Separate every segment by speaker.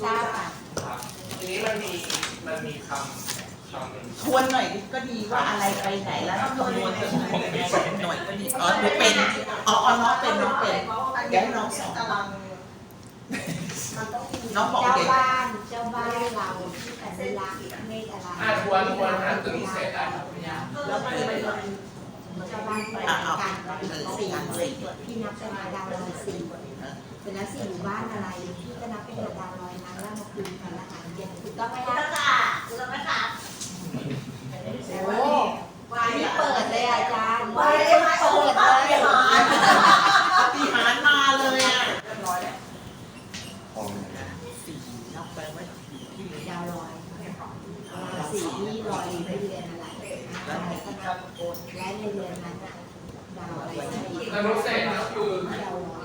Speaker 1: ทราบค่ะ
Speaker 2: ครับทีนี้มันมีคำหนึ่ง
Speaker 3: ทวนหน่อยก็ดีว่าอะไรไปไหนแล้วคำนวณเป็นหน่วยก็ดีอ๋อหนูเป็นอ๋อน้องเป็นเดี๋ยวให้น้องสอน
Speaker 4: มันต้องมี
Speaker 3: น้องบอก
Speaker 1: เจ้า
Speaker 3: เด็ก
Speaker 1: บ้านเราที่สัญลักษณ์เมฆอะไร
Speaker 2: ทวนหาตัวนี้เสร็จได้ครับ
Speaker 3: แล้วมันเป็น
Speaker 1: เจ้าบ้านที่เป็นการสี่ที่นับเป็นดาวลอยสี่เป็นแล้วสี่หมู่บ้านอะไรที่ก็นับเป็นดาวลอยนั้นแล้วมาคืนกันละหารเย็นถูกต้องไหมคะโอ้ไม่เปิดเลยอาจารย์ไม่เปิดเลย
Speaker 3: ปฏิหารมาเลยอ่ะ
Speaker 4: เรียบร้อยแล้ว
Speaker 3: สี่นับไปว่าที่เหลือ
Speaker 1: ดาวลอยสี่ที่ลอยไปเรือนอะไรแล้วก็นับและในเรือนนั้นดาวอะไร
Speaker 2: ตนุเศษก็คือ
Speaker 1: ดาวลอย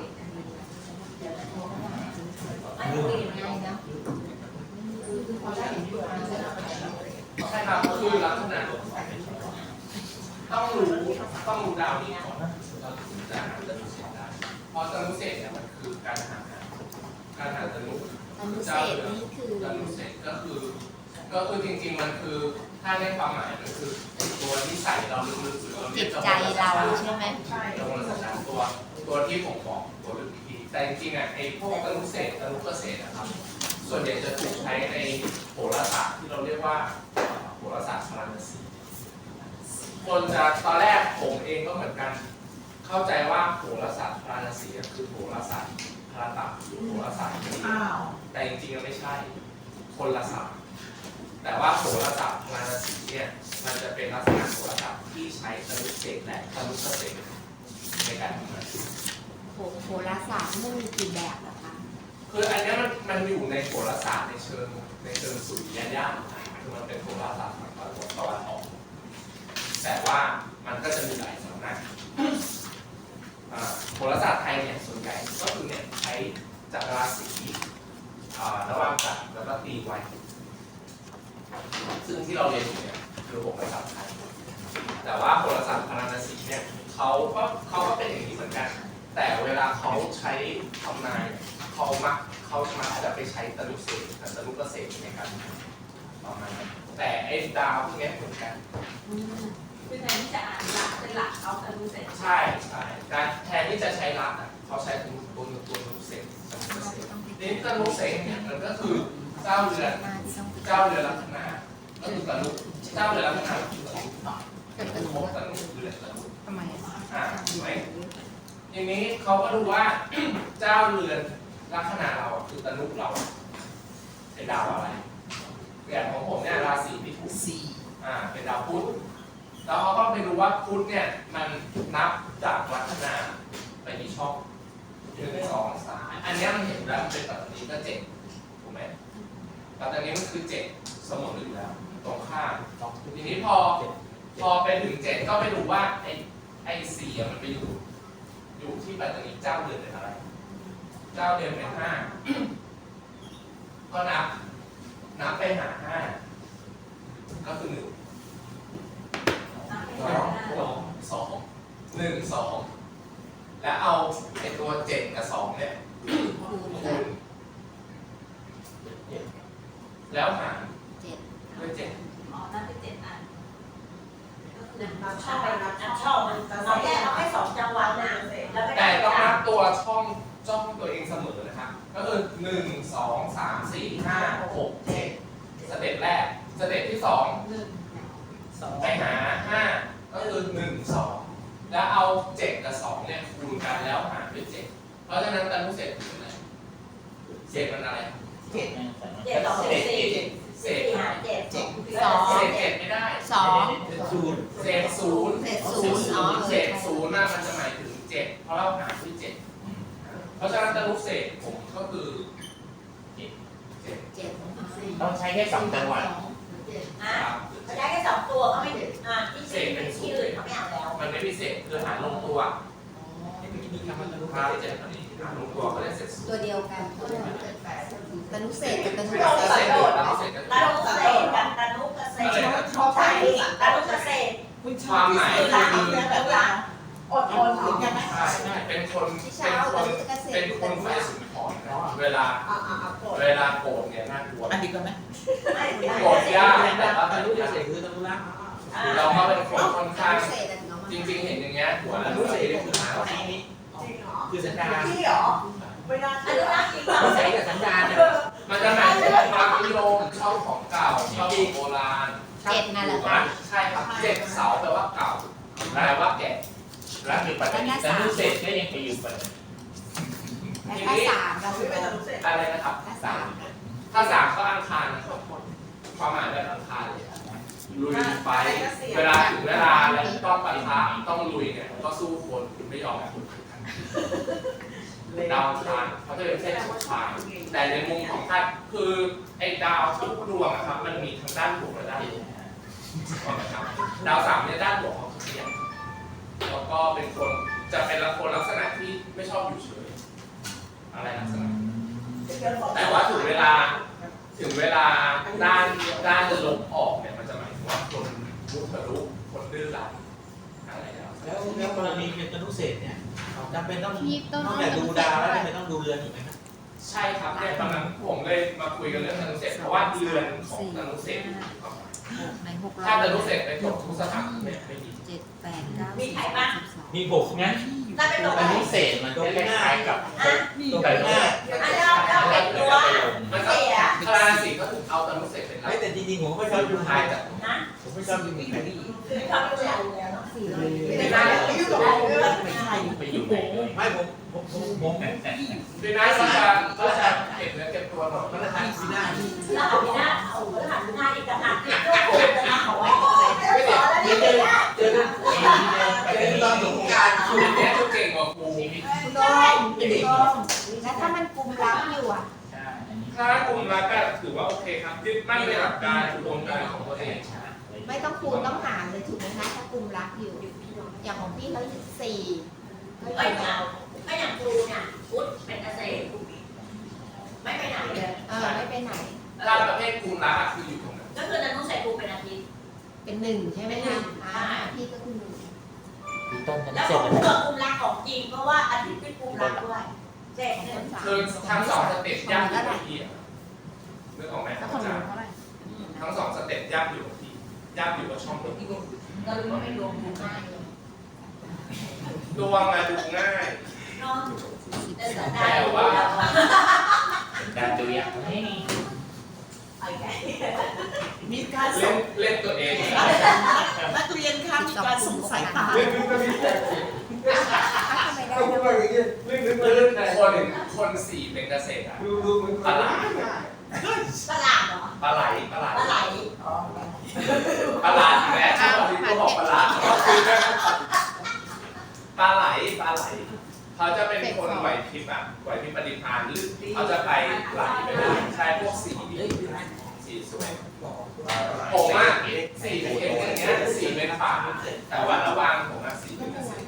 Speaker 4: อันนี้
Speaker 1: ง่ายนะพอได้เห็นเปลือก
Speaker 2: ใช่ครับก็คือลักษณะต้องรู้ดาวนี้ก่อนเราถึงจะหาตนุเศษได้เพราะตนุเศษเนี่ยมันคือการหาตนุ
Speaker 1: อนุเศษนี่คือ
Speaker 2: ตนุเศษก็คือจริงๆมันคือถ้าในความหมายมันคือตัวที่ใส่เราลึกๆหรือเราเรี
Speaker 1: จิ
Speaker 2: ยก
Speaker 1: ตใจเราใช่ไหม
Speaker 4: ใช่
Speaker 2: ตัวมนต์สัญตัวที่ผมบอกตัวลึกอีกทีแต่จริงๆอ่ะไอ้พวกตนุเศษตนุเกษตรนะครับส่วนใหญ่จะถูกใช้ในโหราศาสตร์ที่เราเรียกว่าโหราศาสตร์พาราณสีคนจะตอนแรกผมเองก็เหมือนกันเข้าใจว่าโหราศาสตร์พาราณสีคือโหราศาสตร์พาราตะหรือโหราศาสตร์
Speaker 3: อ้าว
Speaker 2: แต่จริงๆไม่ใช่คนละศาสตร์แต่ว่าโหราศาสตร์พาราณสีเนี่ยมันจะเป็นลักษณะโหราศาสตร์ที่ใช้ตนุเศษและตนุเกษตรในการทำงาน
Speaker 1: โหราศาสตร์มันมีกี่แบบเหรอคะ
Speaker 2: คืออันนี้มันอยู่ในโหราศาสตร์ในเชิงสุริยะญาณคือมันเป็นโหราศาสตร์ฝั่งตะวันออกแต่ว่ามันก็จะมีหลายสำนักโหราศาสตร์ไทยเนี่ยส่วนใหญ่ก็คือเนี่ยใช้จักรราศีระหว่างจักรแล้วก็ตีไว้ซึ่งที่เราเรียนอยู่เนี่ยคือ6ภาษาไทยแต่ว่าโหราศาสตร์พาราณสีเนี่ยเขาก็เป็นอย่างนี้เหมือนกัน แต่เวลาเขาใช้ทำนายเขามักจะไปใช้ตนุเศษกับตนุเกษตรในการประมาณนั้นแต่ไอ้ดาวพวกนี้เหมือนกัน
Speaker 4: คือแทนที่จะอ่านหลักเป็นหลักเอาแต่รู้เสร็จ
Speaker 2: ใช่การแทนที่จะใช้รักเขาใช้ตัวตนุเศษตนุเกษตรนี่ตนุเศษเนี่ยมันก็คือเจ้าเรือนลัคนาก็คือตนุเจ้าเรือนลัคนาคือตนุตนุเรือนตนุ
Speaker 1: ทำไม
Speaker 2: ถูกไหมทีนี้เขาก็ดูว่า เจ้าเรือนลัคนาเราคือตนุเราเป็นดาวอะไรอย่างของผมเนี่ยราศีมิถุน
Speaker 3: สี่
Speaker 2: เป็นดาวพุธแล้วเขาก็ไปดูว่าพุธเนี่ยมันนับจากลัคนาไปกี่ช่อง1 2 3อันนี้มันเห็นแล้วมันเป็นปัตตานีก็7ถูกไหมปัตตานีมันคือ7เสมออยู่แล้วตรงข้ามทีนี้พอไปถึง7ก็ไปดูว่าไอ้4มันไปอยู่ที่ปัตตานีเจ้าเดือนเป็นอะไรเจ้าเดือนเป็น5ก็นับไปหา5ก็คือ1 2 แล้วเอาไอ้ตัว7กับ2เนี่ยคูณแล้วหารด้วย7
Speaker 4: อ๋อนั่นเป็น7อัน
Speaker 5: ช่องมันเราแยกเอาแค่2จังหวัดนะแล้วก็
Speaker 2: แต่ต้องนับตัวช่องตัวเองเสมอนะครับก็คือ1 2 3 4 5 6 7สเต็ปแรกสเต็ปที่2ไปหา5ก็คือ1 2แล้วเอา7กับ2เนี่ยคูณกันแล้วหารด้วย7เพราะฉะนั้นตนุเศษคืออะไรเศษมันอะไร
Speaker 3: เจ็ด
Speaker 5: 7 2 4
Speaker 2: เศษ
Speaker 5: 4 5 7
Speaker 2: เศษ7ไม่ได้
Speaker 1: สอง
Speaker 2: เศษศูนย์
Speaker 1: เศษศูนย์อ๋อ
Speaker 2: เศษศูนย์น่ะมันจะหมายถึง7เพราะเราหารด้วย7เพราะฉะนั้นตนุเศษผมก็คือ7
Speaker 1: 7
Speaker 6: ต้องใช้แค่2จังหวัด
Speaker 5: อ่ะเขาได้แค่2ตัวเขาไม่ถึงที่อื่นเขาไม่เอาแล้ว
Speaker 2: มันไม่พิเศษคือหารลงตัวค่าที่7อันนี้หารลงตัวก็ได้เศษศูนย์
Speaker 1: ตัวเดียวกันตนุเศษกับตนุ
Speaker 2: ต
Speaker 1: เก
Speaker 2: นุ
Speaker 1: ษตร
Speaker 2: เศษกับต
Speaker 5: ตา
Speaker 2: นุ
Speaker 5: นุ
Speaker 2: เศ
Speaker 5: เก
Speaker 2: ษ
Speaker 5: ษตรกับตานุเกษตรใช่ตานุเกษตร
Speaker 3: คุณชอบที่สุดละแบบว่าอดทนถึงยังไง
Speaker 2: ใช่เป็นคน
Speaker 1: ที่เช้าตนุเกษตร
Speaker 2: เป็นคนฝ่ายสุนทรนะเวลาโกรธเนี่ยน่ากลัว
Speaker 3: อันนี้ก็ไหม
Speaker 2: โกรธยากแต่ว่า
Speaker 6: ตารู้เฉยคือตารู้รัก
Speaker 2: เราก็เป็นคนค่อนข้าง
Speaker 1: เศษน้อง
Speaker 2: จริงๆเห็นอย่างเงี้ยหัว
Speaker 6: ตา
Speaker 2: เรา
Speaker 6: รู้
Speaker 2: รู้
Speaker 6: เฉ
Speaker 2: สึ
Speaker 6: ย
Speaker 2: ก
Speaker 6: คือ
Speaker 2: ได้
Speaker 6: หาอันนี้
Speaker 5: จริงเหรอ
Speaker 6: คือสัญญาณ
Speaker 5: พี่เหรอไม่น่า
Speaker 4: อันนี้รักจริงเปล่า
Speaker 6: รู้เฉยกับสัญญาณเนี่ย
Speaker 2: มันจะหมายถึงความนิยมชอบของเก่าชอบของโบราณ
Speaker 1: เจ็ดนั่นแหละ
Speaker 2: ถูกไหมใช่ครับเจ็ดเสาแปลว่าเก่าแปลว่าแก่
Speaker 6: แล้วมีปัจจัยแต่รู้เสร็จก็ยังไปอยู่ปัจจัย
Speaker 1: และถ้าสามเรา
Speaker 5: ไม่เป็นไรเสร็จ
Speaker 2: อะไรนะครับ
Speaker 1: ถ้าสาม
Speaker 2: ถ้าสามก็อังคารนะครับความหมายแบบอังคารเลยลุยไฟเวลาถึงเวลาแล้วต้องปะทะต้องลุยเนี่ยก็สู้คนไม่ยอมให้คนดาวอังคารเขาจะเป็นเส้นสุดท้ายแต่ในมุมของท่านคือไอ้ดาวทุกดวงนะครับมันมีทั้งด้านบวกและด้านลบนะครับดาวสามเนี่ยด้านบวกเขาเขียนแล้วก็เป็นคนจะเป็นคนลักษณะที่ไม่ชอบอยู่เฉยอะไรลักษณะแต่ว่าถึงเวลาด้านลบออกเนี่ยมันจะหมายถึงว่าคนมุทะลุคนดื้อรั้นอะไรแล้ว
Speaker 6: กรณีเป็นตารู้เสร็จเนี่ยจำเป็นต้องนอกจากดูดาวแล้วจำเป็นต้องดูเรือนอีกไหมครับ
Speaker 2: ใช่ครับเนี่ยตอนนั้นผมเลยมาคุยกันเรื่องธนุเศษเพราะว่าเรือนของธนุเศษ
Speaker 1: ในหก
Speaker 2: ถ้าธนุเศษไปตกทุกสถานเนี่ยไม่ดี
Speaker 1: เจ็ดแปดเก้า
Speaker 4: มีใครบ้าง
Speaker 6: มีหกงั้น
Speaker 4: ถ้าเป็นตัว
Speaker 6: ตารู้เสร็จมันจะคล้ายๆกับตัวแบบหน้า
Speaker 4: อันเราเป็นตัว
Speaker 2: มันก็คลาสีก็ถึงเอาธนุเศษเป็นหลัก
Speaker 6: ไม่แต่จริงๆผมก็ไม่ชอบดูไทยแต่
Speaker 4: นะ
Speaker 6: ผมไม่ชอบดูไทย
Speaker 4: คือเขาเป็นตัวอยู่แล้วเนาะ
Speaker 1: สี่ร้อย
Speaker 5: ไม่ได้ไม่ยุ่งกับเราเลย
Speaker 6: ไม่ใช่ไปอยู่ไหนเลยไม่ผม
Speaker 2: ดีนะก็จะเก็บเนื้อเก็บตัวหน่อย
Speaker 6: ก็จะทำสีหน้า
Speaker 4: แล้วเอาไปหน้าเอาไปหันหน้าอีกต่างหากที่ตัวโกงเลยนะเขาว่า
Speaker 5: ไม่สอนแล้ว
Speaker 6: เจ
Speaker 5: นี่
Speaker 6: อเจอตอนสงการ
Speaker 2: คุณเนี่ยจะเก่งกว่าครู
Speaker 1: คุณโดมคุณโดมแล้วถ้ามันกลุ่มลับอยู่อ่ะ
Speaker 2: ถ้ากลุ่มรักก็ถือว่าโอเคครับยึดมั่นในหลักการอุดมการณ์ของตัวเอง
Speaker 1: ไม่ต้องคูณต้องหารเลยถูกไหมคะถ้ากลุ่มลับอยู่ อย่างของพี่เขาสี่ก็
Speaker 4: ไอ้
Speaker 1: อยู่
Speaker 4: เนี่ยก็อย่างครูเนี่ยพุทธเป็นเกษตรไม่ไปไหนเลย
Speaker 1: ไม่ไปไหน
Speaker 2: ถ้าประเภทกลุ่มรักคืออยู่ตรงนั้น
Speaker 4: ก็คือจะต้องใส่ครูเป็นอาทิตย์
Speaker 1: เป็นหนึ่งใช่ไหมคะพี่ก็คือหนึ่ง
Speaker 6: ต้นกัน
Speaker 4: แล้ว
Speaker 6: เส
Speaker 4: ข
Speaker 6: ร็
Speaker 4: อ
Speaker 6: จ
Speaker 4: ง
Speaker 6: แล้ว
Speaker 4: ครูกับกลุ่มรักของจริงเพราะว่าอาทิตย์เป็นกลุ่มรักด้วยเจ็ดเนี่ย
Speaker 2: คือทั้งสองสเต็ปย่ำอยู่กับที่นึกออกไหมครับอาจารย์ทั้งสองสเต็ปย่ำอยู่กับที่ย่ำอยู่กับช่องลม
Speaker 4: ก็รู้ว่าไม่รวมดูง่ายเลย
Speaker 2: ดวงมาดูง่าย
Speaker 4: นอนแต่สัปดา
Speaker 2: แต่
Speaker 4: ห์
Speaker 2: ว่า
Speaker 6: การดูอย่างนี้
Speaker 4: ไอ้แก่
Speaker 3: มีการส
Speaker 2: เล่
Speaker 3: ง
Speaker 2: นตัวเอง
Speaker 3: นักเรียนคะมีการส่งสายตา
Speaker 1: ทำไมได้
Speaker 2: คนสี่เป็นเกษตรอะ
Speaker 4: ตลาดเหรอ
Speaker 2: ปลาไหล
Speaker 4: ปลาไหล
Speaker 2: ปลาไหลอีกแล้วที่เราที่บอกปลาไหลปลาไหลเขาจะเป็นคนไหวพริบอะไหวพริบปฏิภาณหรือเขาจะไปไหลไปได้ใช้พวกสีสวยผมอะสีเป็นเอ็นอย่างเงี้ยสีเป็นฝาแต่ว่าระหว่างผมอะสีเป็นเกษตร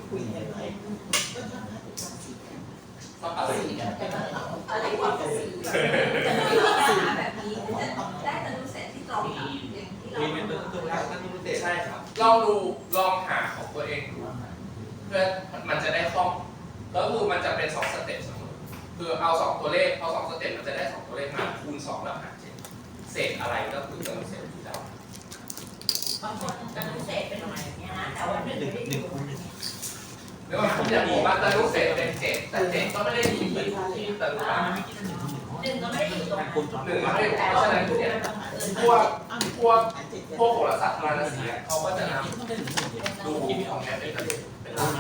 Speaker 2: ก็ปลาไหล
Speaker 4: อะไรความกระสีแบบนี้ได้แต่รู้เสร็จที่ตรงอย่างที่เรา
Speaker 6: มีเป็นตัวรักนั่นรู้เสร็จ
Speaker 2: ใช่ครับลองหาของตัวเองดูเพื่อมันจะได้คล่องแล้วคือมันจะเป็น2สเต็ปเสมอคือเอา2ตัวเลขเอา2สเต็ปมันจะได้2ตัวเลขมาคูณ2แล้วหาร7เศษอะไรก็คือจะเศษที่เรา
Speaker 4: บางคนจะรู้เสร็จเป็นอะไรอย่างเงี้ยนะแต่ว่าหนึ่งไม่ได้ดู
Speaker 2: เดี๋ยวผมจะบอกว่าตะลุเศษเป็น7แต่7ก็ไม่ได้มีที่ตะลุรัก
Speaker 4: หนึ่งก็ไม่ได้อยู่ตรงนั้น
Speaker 2: 1ก็ไม่ได้เพราะฉะนั้นเนี่ยพวกโหราศาสตร์ทางราศีเขาก็จะนำดูของแม่เป็นเป็นหลัก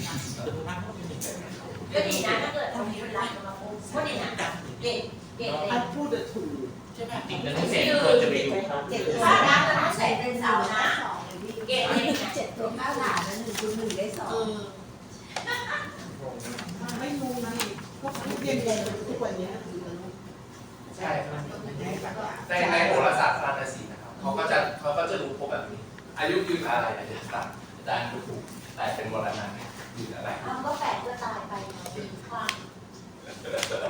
Speaker 4: ก็ดีนะถ้าเกิดตรงนี้เป็นรักมาปุ๊บก็ดีนะเก่งเลย
Speaker 3: พูดถูก
Speaker 6: ใช่ไหมจริงแล้วเสร็จควรจะไปดู
Speaker 1: เจ็ด
Speaker 4: ถ้ารักจะรู้เสร็จเป็นเสานะเก่งเลยนะ
Speaker 1: เจ็ดตัวข้าวหลานนั้น1 ได้
Speaker 3: ไม่รู้นี่พวกเรียนทุกวันนี้
Speaker 2: ใช่ครับในโหราศาสตร์ทางราศีนะครับเขาก็จะดูพวกแบบนี้อายุยืนอะไรอายุสั้นอาจารย์ถูกแต่เป็นมรณะยืนอะไร
Speaker 4: ทำก็แปลกก็ตายไปปีข้าง